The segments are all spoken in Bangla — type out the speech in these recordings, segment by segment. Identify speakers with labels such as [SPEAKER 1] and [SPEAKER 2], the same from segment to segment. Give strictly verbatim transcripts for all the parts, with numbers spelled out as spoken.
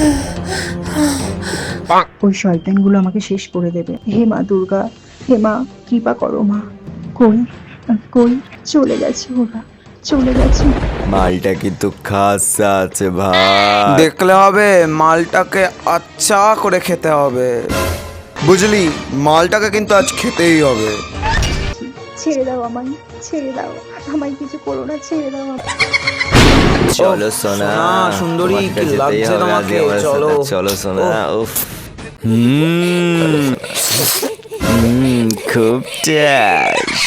[SPEAKER 1] ওই শয়তানগুলো আমাকে শেষ করে দেবে। হে মা দুর্গা, হে মা কৃপা করো মা। কই কই চলে গেছে, ওরা চলে গেছে।
[SPEAKER 2] মালটা কিন্তু খাস আছে ভাই।
[SPEAKER 3] দেখলে হবে, মালটাকে আচ্ছা করে খেতে হবে, বুঝলি? মালটাকে কিন্তু আজ খেতেই হবে।
[SPEAKER 1] ছেড়ে দাও আমায়, ছেড়ে দাও আমায়, কিছু করো না, ছেড়ে দাও আমায়।
[SPEAKER 2] চলো সোনা,
[SPEAKER 3] সোনা, সুন্দরী,
[SPEAKER 2] তোমাকে
[SPEAKER 3] কি
[SPEAKER 2] যেতেই
[SPEAKER 3] লাগছে
[SPEAKER 2] হবে
[SPEAKER 3] তোমাকে?
[SPEAKER 2] আজকে আমার
[SPEAKER 3] চলো।
[SPEAKER 2] সাথে। চলো সোনা। উফ, হুম হুম, খুব টেস্ট।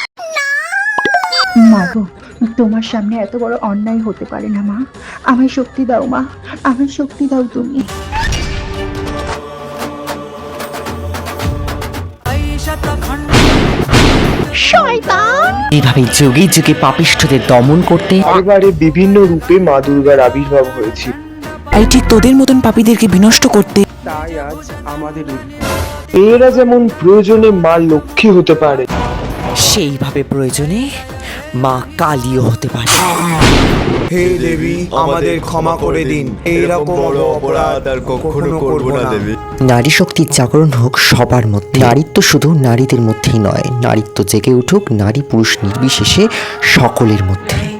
[SPEAKER 1] মা গো, তোমার সামনে এত বড় অন্যায় হতে পারে না মা। আমায় শক্তি দাও মা, আমায় শক্তি দাও তুমি।
[SPEAKER 4] এইভাবে যুগে যুগে পাপিষ্ঠদের দমন করতে
[SPEAKER 5] এবারে বিভিন্ন রূপে মা দুর্গার আবির্ভাব হয়েছে।
[SPEAKER 4] এই ঠিক তোদের মতন পাপীদেরকে বিনষ্ট করতে
[SPEAKER 5] তাই আজ আমাদের উদ্ধার। মেয়েরা যেমন প্রয়োজনে মা লক্ষ্মী হতে পারে,
[SPEAKER 4] সেইভাবে প্রয়োজনে মা কালীও হতে পারে।
[SPEAKER 3] হে দেবী, আমাদের ক্ষমা করে দিন, এইরকম বড় অপরাধ আর কখনো করব না দেবী।
[SPEAKER 4] নারী শক্তির জাগরণ হোক সবার মধ্যে। নারীত্ব শুধু নারীদের মধ্যেই নয়, নারীত্ব জেগে উঠুক নারী পুরুষ নির্বিশেষে সকলের মধ্যে।